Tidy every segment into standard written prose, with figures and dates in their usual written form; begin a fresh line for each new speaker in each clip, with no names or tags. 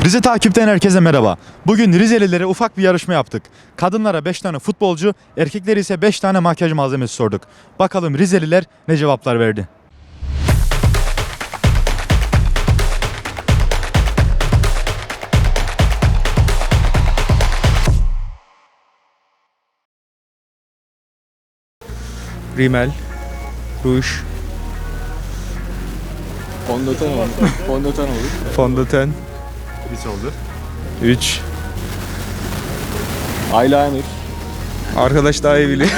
Rize takipten herkese merhaba. Bugün Rizelilere ufak bir yarışma yaptık. Kadınlara 5 tane futbolcu, erkeklere ise 5 tane makyaj malzemesi sorduk. Bakalım Rizeliler ne cevaplar verdi?
Rimel, ruj,
Fondöten olur. Fondöten olur.
fondöten,
3 oldu.
3.
Eyeliner.
Arkadaş daha iyi biliyor.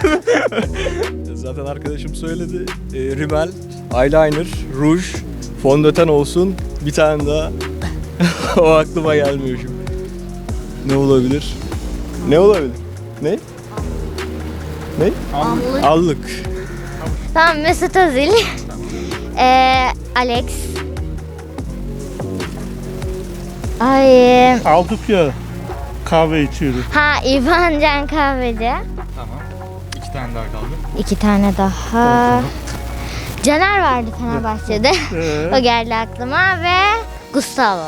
Zaten arkadaşım söyledi. Rimel, eyeliner, ruj, fondöten olsun. Bir tane daha. O aklıma gelmiyor şimdi. Ne olabilir? Ne olabilir? Ne? Ne? Allık.
Tamam, Mesut Özil. Alex. Ay.
Aldık ya, kahve içiyoruz.
İvan Can Kahveci.
Tamam. 2 tane daha kaldı.
2 tane daha. Caner vardı Fenerbahçe'de. O geldi aklıma ve Gustavo.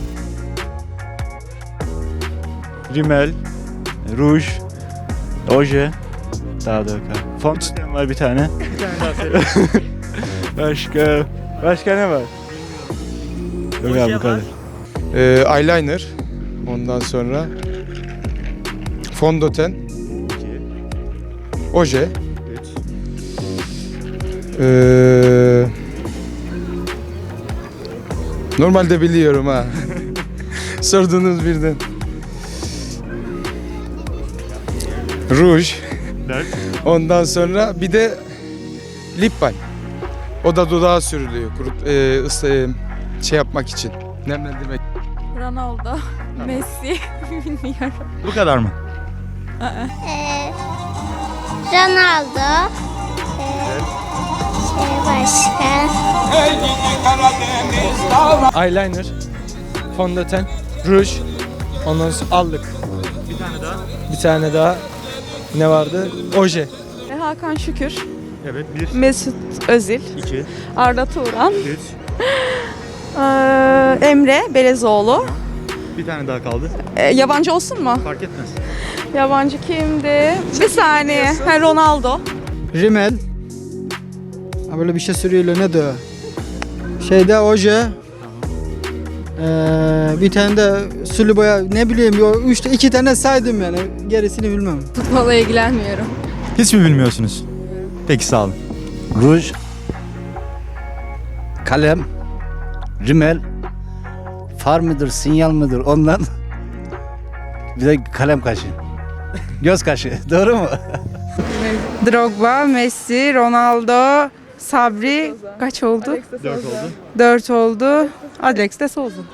Rimel, ruj, oje, daha da fondöten var bir tane. Başka ne var? Yok abi bu kadar.
Eyeliner, ondan sonra fondöten, oje, normalde biliyorum ha. Sordunuz birden. Ruj, ondan sonra bir de lip balm. O da dudağa sürülüyor, şey yapmak için, nemlendirmek.
Ronaldo, Messi, bilmiyorum.
Bu kadar mı?
Ronaldo. Başka.
Eyeliner, fondöten, ruj, ondan sonra allık. Bir tane daha ne vardı? Oje.
Hakan Şükür,
Evet. 1,
Mesut Özil,
2,
Arda Turan,
3.
Emre Belezoğlu.
Bir tane daha kaldı.
Yabancı olsun mu?
Fark etmez.
Yabancı kimdi? Bir saniye. Ronaldo.
Rimel. Ha, böyle bir şey sürüyorlar, ne de o? Şeyde oje. Bir tane de sulu boya, ne bileyim, 2 tane saydım yani, gerisini bilmem.
Futbola ilgilenmiyorum.
Hiç mi bilmiyorsunuz? Peki, sağ olun.
Ruj, kalem, rimel, far mıdır, sinyal mıdır ondan. Bir de kalem kaşı. Göz kaşı. Doğru mu?
Drogba, Messi, Ronaldo, Sabri kaç oldu?
4 oldu.
4 oldu. Alex de Souza.